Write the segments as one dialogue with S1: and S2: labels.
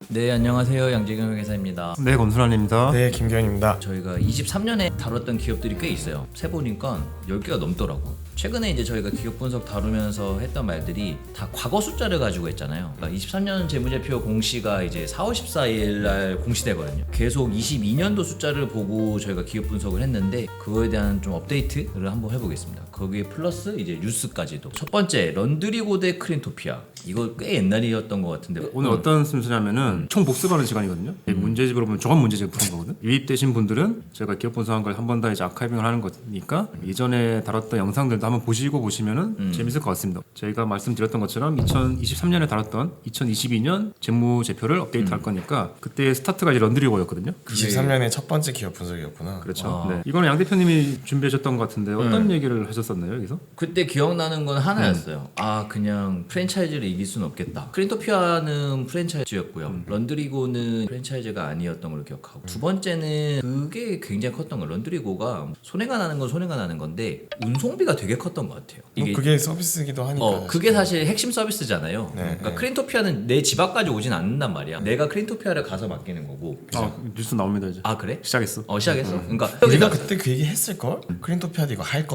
S1: 네, 안녕하세요. 양재경 회계사입니다.
S2: 네, 권순환입니다.
S3: 네, 김기현입니다.
S1: 저희가 23년에 다뤘던 기업들이 꽤 있어요. 세보니까 10개가 넘더라고. 최근에 이제 저희가 기업 분석 다루면서 했던 말들이 다 과거 숫자를 가지고 했잖아요. 그러니까 23년 재무제표 공시가 이제 4월 14일 날 공시되거든요. 계속 22년도 숫자를 보고 저희가 기업 분석을 했는데 그거에 대한 좀 업데이트를 한번 해보겠습니다. 거기에 플러스 이제 뉴스까지도. 첫 번째, 런드리고 대 크린토피아. 이거 꽤 옛날이었던 것 같은데
S2: 오늘 어떤 순서냐면은 총 복습하는 시간이거든요. 문제집으로 보면 저건 문제집을 푸는 거거든. 유입되신 분들은 저희가 기업 분석한 걸 한 번 더 이제 아카이빙을 하는 거니까 이전에 다뤘던 영상들도 한번 보시면은 재밌을 것 같습니다. 저희가 말씀드렸던 것처럼 2023년에 다뤘던 2022년 재무제표를 업데이트할 거니까 그때 스타트가 이제 런드리고였거든요.
S3: 23년의 첫 번째 기업 분석이었구나.
S2: 그렇죠. 네. 이거는 양 대표님이 준비하셨던 것 같은데 어떤 얘기를 하셨었나요 여기서?
S1: 그때 기억나는 건 하나였어요. 아, 그냥 프랜차이즈를 이길 수는 없겠다. 크린토피아는 프랜차이즈였고요. 런드리고는 프랜차이즈가 아니었던 걸로 기억하고, 두 번째는 그게 굉장히 컸던 거. 런드리고가 손해가 나는 건 손해가 나는 건데 운송비가 되게 컸던 것 같아요.
S3: 이게 그게 서비스이기도 하니까.
S1: 그게 사실 핵심 서비스잖아요.
S3: 네,
S1: 그러니까
S3: 네.
S1: 크린토피아는 내 집 앞까지 오진 않는단 말이야. 내가 크린토피아를 가서 맡기는 거고.
S2: 아, 뉴스 나옵니다 이제.
S1: 아, 그래?
S2: 시작했어.
S1: 시작했어? 그러니까
S3: 우리가 그때 그 얘기 했을걸? 크린토피아도 이거 할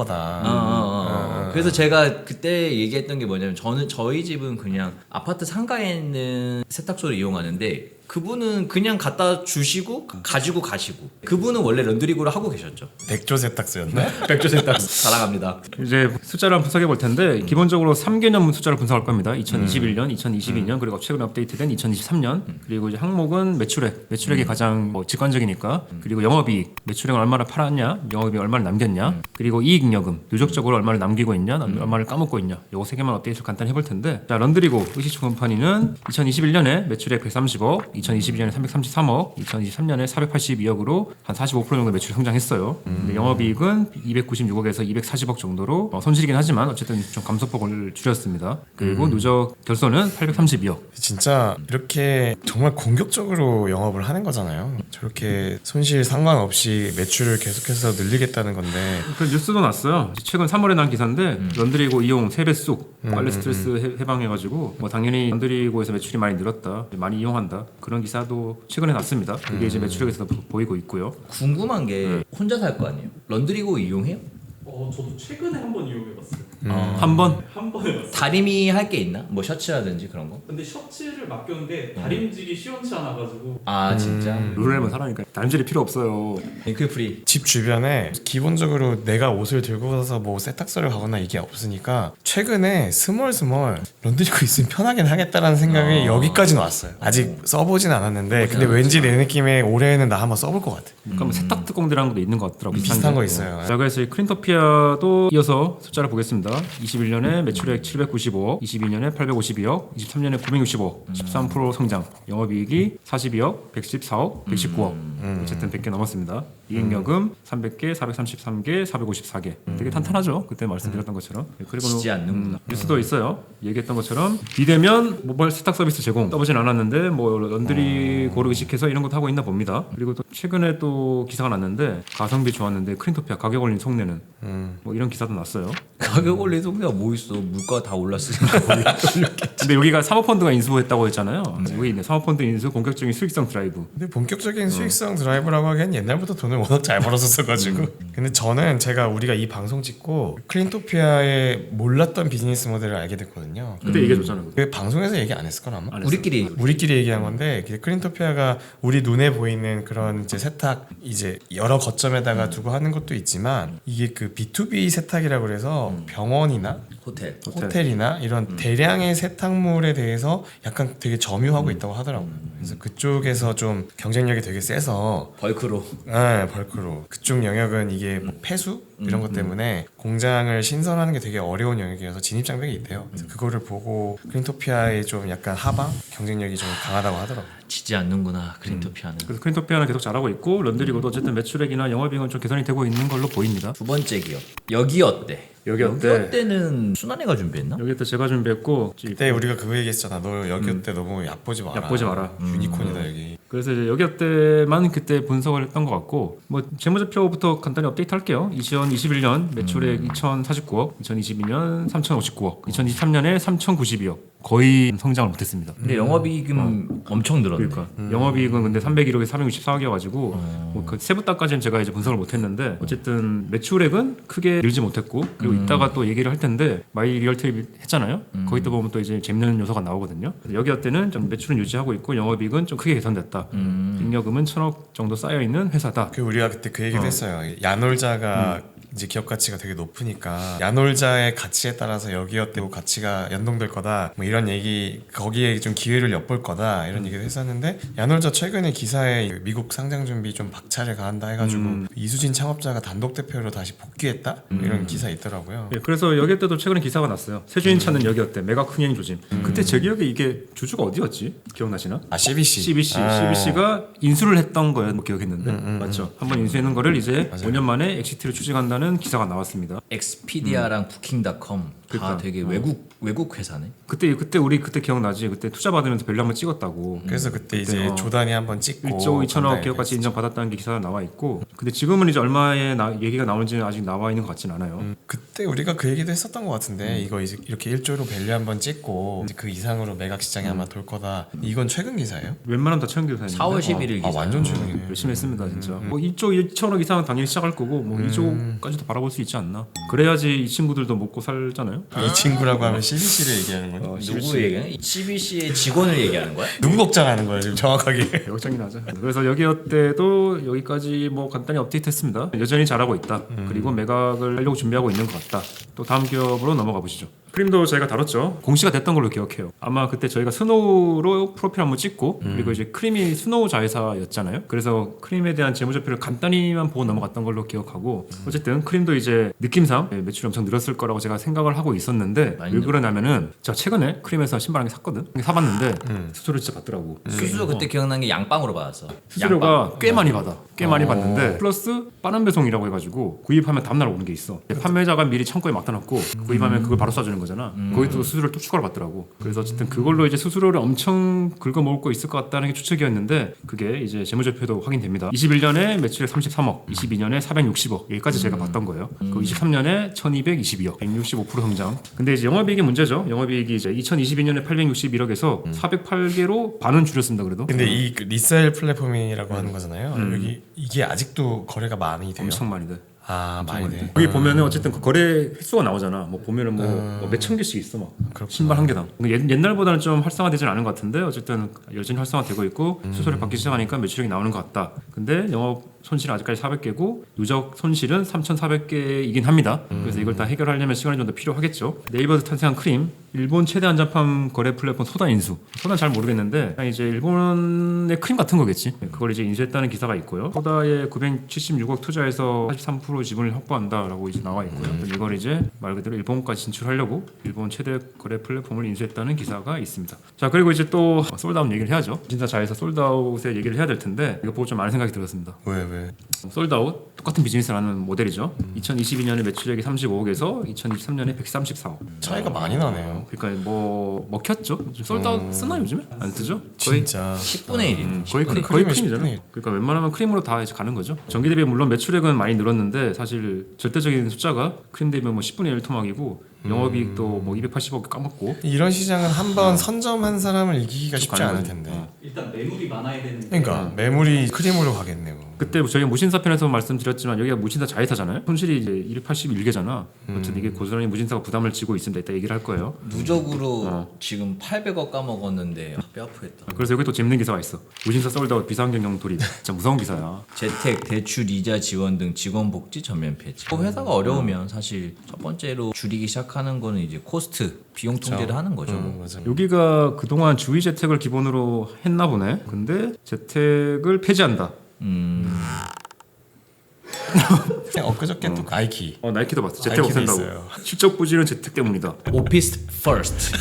S3: 거다.
S1: 그래서 제가 그때 얘기했던 게 뭐냐면 저희 집은 그냥 아파트 상가에 있는 세탁소를 이용하는데 그분은 그냥 갖다 주시고 가지고 가시고, 그분은 원래 런드리고를 하고 계셨죠.
S3: 백조 세탁소였나?
S1: 백조 세탁소 사랑합니다.
S2: 이제 숫자를 한번 분석해 볼 텐데 기본적으로 3개년 숫자를 분석할 겁니다. 2021년, 2022년 그리고 최근에 업데이트된 2023년. 그리고 이제 항목은 매출액이 가장 직관적이니까. 그리고 영업이익, 매출액을 얼마나 팔았냐, 영업이익 얼마나 남겼냐, 그리고 이익잉여금, 누적적으로 얼마를 남기고 있냐, 얼마를 까먹고 있냐. 요거 세 개만 업데이트를 간단히 해볼 텐데, 자 런드리고 의식주컴퍼니는 2021년에 매출액 130억, 2022년에 333억, 2023년에 482억으로 한 45% 정도 매출 성장했어요. 근데 영업이익은 296억에서 240억 정도로 손실이긴 하지만 어쨌든 좀 감소폭을 줄였습니다. 그리고 누적 결손은 832억.
S3: 진짜 이렇게 정말 공격적으로 영업을 하는 거잖아요. 저렇게 손실 상관없이 매출을 계속해서 늘리겠다는 건데.
S2: 그 뉴스도 났어요. 최근 3월에 난 기사인데 런드리고 이용 3배 쑥 빨래 스트레스 해방해가지고 뭐 당연히 런드리고에서 매출이 많이 늘었다, 많이 이용한다, 그런 기사도 최근에 났습니다. 그게 이제 매출액에서도 보이고 있고요.
S1: 궁금한 게 혼자 살 거 아니에요? 런드리고 이용해요?
S4: 저도 최근에 한 번 이용해봤어요.
S2: 한 번?
S4: 한 번 해봤어요.
S1: 다림이 할 게 있나? 뭐 셔츠라든지 그런 거?
S4: 근데 셔츠를 맡겼는데 다림질이 시원치 않아가지고
S1: 아, 진짜?
S2: 룰에만 살아니까 다림질이 필요 없어요.
S1: 링크 프리.
S3: 집 주변에 기본적으로 내가 옷을 들고 가서 뭐 세탁소를 가거나 이게 없으니까 최근에 스멀스멀 런드리고 있으면 편하긴 하겠다라는 생각이 여기까지는 왔어요. 아직 써보진 않았는데 근데 왠지 내 느낌에 올해는 나 한번 써볼 것 같아.
S2: 그러니까 세탁 특공대라는 것도 있는 것 같더라고요.
S3: 비슷한 거 있어요.
S2: 자, 그래서 이 크린토피아도 이어서 숫자를 보겠습니다. 21년에 매출액 795억, 22년에 852억, 23년에 965억, 13% 성장. 영업이익이 42억, 114억, 119억. 어쨌든 100개 넘었습니다. 이익여금 300개, 433개, 454개. 되게 탄탄하죠. 그때 말씀드렸던 것처럼. 그리고
S1: 지지 않는구나.
S2: 뉴스도 있어요. 얘기했던 것처럼 비대면 모바일 세탁 서비스 제공 써보진 않았는데 뭐 런드리고를 의식해서 이런 것도 하고 있나 봅니다. 그리고 또 최근에 또 기사가 났는데 가성비 좋았는데 크린토피아 가격 올린 속내는 뭐 이런 기사도 났어요.
S1: 가격 올린 속내가 뭐 있어? 물가 다 올랐으니까
S2: 근데 여기가 사모펀드가 인수했다고 했잖아요. 여기 있네. 사모펀드 인수 본격적인 수익성 드라이브.
S3: 근데 본격적인 수익성 드라이브라고 하기엔 옛날부터 돈을 워낙 잘 벌었었어가지고 근데 저는 우리가 이 방송 찍고 크린토피아의 몰랐던 비즈니스 모델을 알게 됐거든요.
S2: 그때 얘기해줬잖아요.
S3: 그 방송에서 얘기 안 했을걸 아마?
S2: 안 했어요.
S1: 우리끼리
S3: 얘기한 건데 크린토피아가 우리 눈에 보이는 그런 이제 세탁 이제 여러 거점에다가 두고 하는 것도 있지만 이게 그 B2B 세탁이라고 그래서 병원이나 호텔이나 이런 대량의 세탁물에 대해서 약간 되게 점유하고 있다고 하더라고요. 그래서 그쪽에서 좀 경쟁력이 되게 세서
S1: 벌크로.
S3: 네, 벌크로 그쪽 영역은 이게 뭐 폐수 이런 것 때문에 공장을 신설하는 게 되게 어려운 영역이어서 진입 장벽이 있대요. 그래서 그거를 보고 크린토피아의 좀 약간 하방 경쟁력이 좀 강하다고 하더라고요.
S1: 지지 않는구나, 크린토피아는.
S2: 그래서 크린토피아는 계속 잘하고 있고 런드리고도 어쨌든 매출액이나 영업이익은 좀 개선이 되고 있는 걸로 보입니다.
S1: 두 번째 기업. 여기 어때?
S2: 여기 어때?
S1: 여기 어때는 순환이가 준비했나?
S2: 여기 때 제가 준비했고
S3: 그때 우리가 그거 얘기했잖아. 너 여기 때 너무 얕보지 마라.
S2: 얕보지 마라.
S3: 유니콘이다 여기.
S2: 그래서 이제 여기 때만 그때 분석을 했던 것 같고 뭐 재무제표부터 간단히 업데이트 할게요. 2021년 매출액 2,049억, 2022년 3,059억, 2023년에 3,092억. 거의 성장을 못했습니다.
S1: 근데 영업이익은 엄청 늘었네.
S2: 그러니까 영업이익은 근데 301억에 464억이어가지고 뭐그 세부다까지는 제가 이제 분석을 못했는데 어쨌든 매출액은 크게 늘지 못했고 그리고 이따가 또 얘기를 할 텐데 마이 리얼트립 했잖아요. 거기 또 보면 또 이제 재밌는 요소가 나오거든요. 여기 때는 좀 매출은 유지하고 있고 영업이익은 좀 크게 개선됐다. 잉여금은 1,000억 정도 쌓여 있는 회사다.
S3: 그 우리가 그때 그 얘기도 했어요. 야놀자가 이제 기업 가치가 되게 높으니까 야놀자의 가치에 따라서 여기어때 가치가 연동될 거다 뭐 이런 얘기, 거기에 좀 기회를 엿볼 거다 이런 얘기를 했었는데, 야놀자 최근에 기사에 미국 상장 준비 좀 박차를 가한다 해가지고 이수진 창업자가 단독 대표로 다시 복귀했다 이런 기사 있더라고요.
S2: 예, 그래서 여기 때도 최근에 기사가 났어요. 세주인 찾는 여기어때 메가 큰행 조짐. 그때 제 기억에 이게 주주가 어디였지? 기억나시나?
S3: 아, CBC.
S2: CBC가 인수를 했던 거예요. 뭐 기억했는데 맞죠? 한번 인수했는 거를 이제 5년 만에 엑시트를 추진한다는 기사가 나왔습니다.
S1: 엑스피디아랑 부킹닷컴 다
S2: 그러니까.
S1: 되게 외국 회사네.
S2: 그때 우리 그때 기억나지? 그때 투자 받으면서 밸류 한번 찍었다고.
S3: 그래서 그때 이제 조단이 한번 찍고
S2: 1조 2천억 기업가치 인정받았다는 게 기사가 나와 있고, 근데 지금은 이제 얼마의 얘기가 나오는지는 아직 나와 있는 것 같진 않아요.
S3: 그때 우리가 그 얘기도 했었던 것 같은데 이거 이제 이렇게 1조로 밸류 한번 찍고 이제 그 이상으로 매각 시장이 아마 돌 거다. 이건 최근 기사예요?
S2: 웬만하면 다 최근 기사입니다.
S1: 4월 11일 기사.
S3: 아, 완전 최근이네요.
S2: 열심히 했습니다 진짜. 뭐 2조 2천억 이상은 당연히 시작할 거고 뭐 2조까지도 바라볼 수 있지 않나. 그래야지 이 친구들도 먹고 살잖아요.
S3: 이 친구라고 하면 CBC를 얘기하는 거예요?
S1: 누구 얘기하는? CBC의 직원을 얘기하는 거야?
S3: 누구 걱정하는 거예요 지금 정확하게?
S2: 걱정이 나죠. 그래서 여기어때도 여기까지 뭐 간단히 업데이트했습니다. 여전히 잘하고 있다. 그리고 매각을 하려고 준비하고 있는 것 같다. 또 다음 기업으로 넘어가 보시죠. 크림도 저희가 다뤘죠. 공시가 됐던 걸로 기억해요. 아마 그때 저희가 스노우로 프로필 한번 찍고 그리고 이제 크림이 스노우 자회사였잖아요. 그래서 크림에 대한 재무제표를 간단히만 보고 넘어갔던 걸로 기억하고, 어쨌든 크림도 이제 느낌상 매출이 엄청 늘었을 거라고 제가 생각을 하고 있었는데, 왜 그러냐면은 제가 최근에 크림에서 신발 한 개 샀거든. 사봤는데 수수료 진짜 받더라고.
S1: 수수료 그때 기억난 게 양빵으로 받았어.
S2: 수수료가 꽤 많이 받아. 꽤 많이 받는데 플러스 빠른 배송이라고 해가지고 구입하면 다음날 오는 게 있어. 판매자가 미리 창고에 맡아놓고 구입하면 그걸 바로 쏴주는 거잖아. 거기도 수수료를 또 추가로 받더라고. 그래서 어쨌든 그걸로 이제 수수료를 엄청 긁어먹을 거 있을 것 같다는 게 추측이었는데, 그게 이제 재무제표도 확인됩니다. 21년에 매출액 33억, 22년에 460억, 여기까지 제가 봤던 거예요. 그 23년에 1222억, 165% 성장. 근데 이제 영업이익이 문제죠. 영업이익이 이제 2022년에 861억에서 408개로 반은 줄였습니다. 그래도.
S3: 근데 이 리셀 플랫폼이라고 하는 거잖아요. 여기 이게 아직도 거래가 많이 돼요?
S2: 엄청 많이 돼.
S3: 아, 많이 돼.
S2: 여기 보면은 어쨌든 그 거래 횟수가 나오잖아. 뭐 보면은 뭐 몇천 개씩 있어 막. 신발 한 개당. 옛날보다는 좀 활성화되지는 않은 것 같은데 어쨌든 여전히 활성화되고 있고 수수료 받기 시작하니까 매출액이 나오는 것 같다. 근데 영업 손실은 아직까지 400개고 누적 손실은 3,400개이긴 합니다. 그래서 이걸 다 해결하려면 시간이 좀 더 필요하겠죠. 네이버에서 탄생한 크림, 일본 최대 한정판 거래 플랫폼 소다 인수. 소다는 잘 모르겠는데 그냥 이제 일본의 크림 같은 거겠지. 그걸 이제 인수했다는 기사가 있고요. 소다에 976억 투자해서 43% 지분을 확보한다라고 이제 나와 있고요. 이걸 이제 말 그대로 일본까지 진출하려고 일본 최대 거래 플랫폼을 인수했다는 기사가 있습니다. 자, 그리고 이제 또 솔드아웃 얘기를 해야죠. 진짜 자회사 솔드아웃의 얘기를 해야 될 텐데 이거 보고 좀 많은 생각이 들었습니다.
S3: 왜?
S2: 솔드아웃 똑같은 비즈니스라는 모델이죠. 2022년에 매출액이 35억에서 2023년에 134억.
S3: 차이가 많이 나네요.
S2: 그러니까 뭐 먹혔죠. 솔드아웃 쓰나 요즘에? 안 쓰죠? 거의
S3: 진짜
S1: 10분의 1이.
S2: 거의
S3: 크림의
S2: 크림이잖아.
S3: 10분의 1.
S2: 그러니까 웬만하면 크림으로 다 이제 가는 거죠. 전기 대비 물론 매출액은 많이 늘었는데 사실 절대적인 숫자가 크림 대비 뭐 10분의 1 토막이고 영업이익도 뭐 280억 까먹고.
S3: 이런 시장은 한번 선점한 사람을 이기기가 쉽지
S2: 가는
S3: 않을
S2: 거지.
S3: 텐데.
S4: 일단 매물이 많아야 되는데
S3: 그러니까 매물이 크림으로 가겠네요.
S2: 그때 저희가 무신사 편에서 말씀드렸지만 여기가 무신사 자회사잖아요. 손실이 이제 281개잖아. 어쨌든 이게 고스란히 무신사가 부담을 지고 있습니다. 이따 얘기를 할 거예요.
S1: 누적으로 지금 800억 까먹었는데 뼈 아프겠다.
S2: 그래서 여기 또 재밌는 기사가 있어. 무신사 솔드아웃 비상경영 돌입. 진짜 무서운 기사야.
S1: 재택, 대출, 이자 지원 등 직원 복지 전면 폐지. 회사가 어려우면 사실 첫 번째로 줄이기 시작하는 거는 이제 코스트, 비용 통제를 하는 거죠.
S3: 맞아.
S2: 여기가 그동안 주의 재택을 기본으로 했나 보네. 근데 재택을 폐지한다.
S3: 그냥 엊그저께 또 나이키.
S2: 나이키도 봤어. 재택
S3: 나이키도
S2: 없앤다고.
S3: 있어요.
S2: 실적 부진은 재택 때문이다.
S1: 오피스 퍼스트.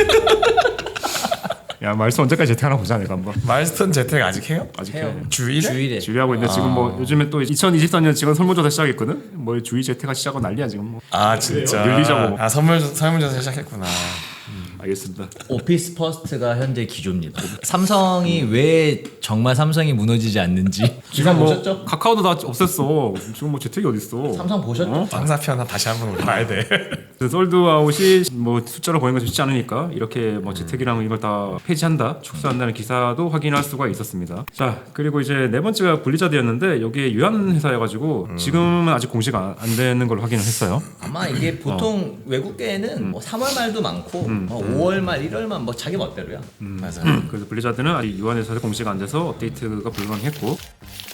S2: 야, 말씀 언제까지 재택하나 보자 내가 한번.
S3: 마일스톤 재택 아직 해요?
S2: 아직
S1: 해요.
S2: 해.
S3: 주일에?
S1: 주일에.
S2: 주의하고 있는데 지금 뭐 요즘에 또 2024년 직원 설문조사 시작했거든. 뭐 주의 재택하 시작하고 난리야 지금 뭐.
S3: 아, 진짜.
S2: 늘리자고.
S3: 아, 설문조사 시작했구나.
S2: 알겠습니다.
S1: 오피스 퍼스트가 현재 기조입니다. 삼성이 왜 정말 삼성이 무너지지 않는지 기사
S2: 지금 뭐
S1: 보셨죠?
S2: 카카오도 다 없앴어. 지금 뭐 재택이 어디 있어?
S1: 삼성 보셨죠?
S2: 어?
S3: 황사편 다시 한번 우리 봐야 돼.
S2: 그 솔드아웃이 뭐 숫자로 보이는 것이 쉽지 않으니까 이렇게 뭐 재택이랑 이걸 다 폐지한다, 축소한다는 기사도 확인할 수가 있었습니다. 자, 그리고 이제 네 번째가 분리자드였는데 여기에 유한 회사여가지고 지금은 아직 공시가 안 되는 걸로 확인을 했어요.
S1: 아마 이게 보통 외국계에는 뭐 3월 말도 많고 5월 말, 1월 말 뭐 자기 멋대로야.
S3: 맞아요.
S2: 그래서 블리자드는 아직 유한 회사에서 공시가 안 돼서 업데이트가 불가능했고